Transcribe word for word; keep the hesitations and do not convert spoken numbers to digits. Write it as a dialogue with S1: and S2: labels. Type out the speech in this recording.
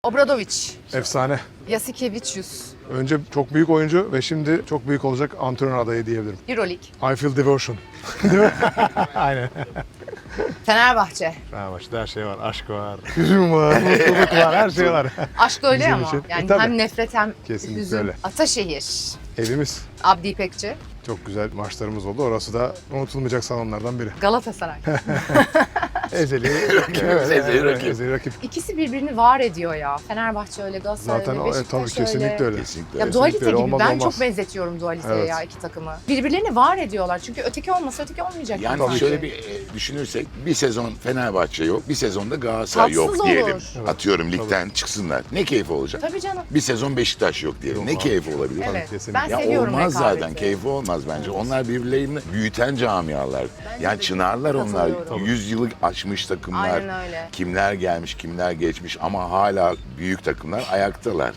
S1: Obradoviç,
S2: Efsane.
S1: Yasikevicius,
S2: Önce çok büyük oyuncu ve şimdi çok büyük olacak antrenör adayı diyebilirim.
S1: Euroleague,
S2: I feel devotion. Değil mi? Aynen.
S1: Fenerbahçe.
S2: Fenerbahçe'de her şey var. Aşk var, hüzün var, mutluluk var, her şey var.
S1: Aşk öyle
S2: Bizim
S1: ama.
S2: için.
S1: Yani
S2: E, tabii.
S1: hem nefret hem
S2: Kesinlikle
S1: hüzün.
S2: öyle.
S1: Ataşehir,
S2: Evimiz.
S1: Abdi İpekçi,
S2: Çok güzel maçlarımız oldu. Orası da unutulmayacak salonlardan biri.
S1: Galatasaray.
S2: Ezeli.
S3: Rakibimiz, ezeli rakip.
S2: Ezeli rakip.
S1: İkisi birbirini var ediyor ya. Fenerbahçe öyle, Galatasaray
S2: Zaten
S1: öyle,
S2: o, e,
S1: Beşiktaş
S2: tabii
S1: öyle.
S2: kesinlikle öyle.
S3: Kesinlikle.
S1: Ya
S3: öyle.
S1: dualite
S2: öyle.
S1: gibi.
S2: Olmaz,
S1: ben
S2: olmaz.
S1: çok benzetiyorum dualiteye
S2: Evet.
S1: ya iki takımı. Birbirlerini var ediyorlar. Çünkü öteki olmasa öteki olmayacak.
S3: Yani
S1: sanki.
S3: şöyle bir e, düşünürsek bir sezon Fenerbahçe yok, bir sezonda Galatasaray
S1: Tatsız
S3: yok diyelim.
S1: olur.
S2: Evet.
S3: Atıyorum ligden çıksınlar. Ne keyfi olacak?
S1: Tabii canım.
S3: Bir sezon Beşiktaş yok diyelim.
S2: Yok
S3: ne
S2: abi.
S3: keyfi olabilir?
S1: Evet.
S2: kesinlikle.
S1: Ben
S3: Ya
S1: seviyorum
S3: olmaz
S1: rekabeti.
S3: zaten. Keyfi olmaz bence. Onlar birbirlerini büyüten camialar. Yani
S1: de
S3: çınarlar onlar.
S1: katılıyorum.
S3: yüz yılı aşmış takımlar.
S1: Aynen öyle.
S3: Kimler gelmiş, kimler geçmiş ama hala büyük takımlar ayaktalar.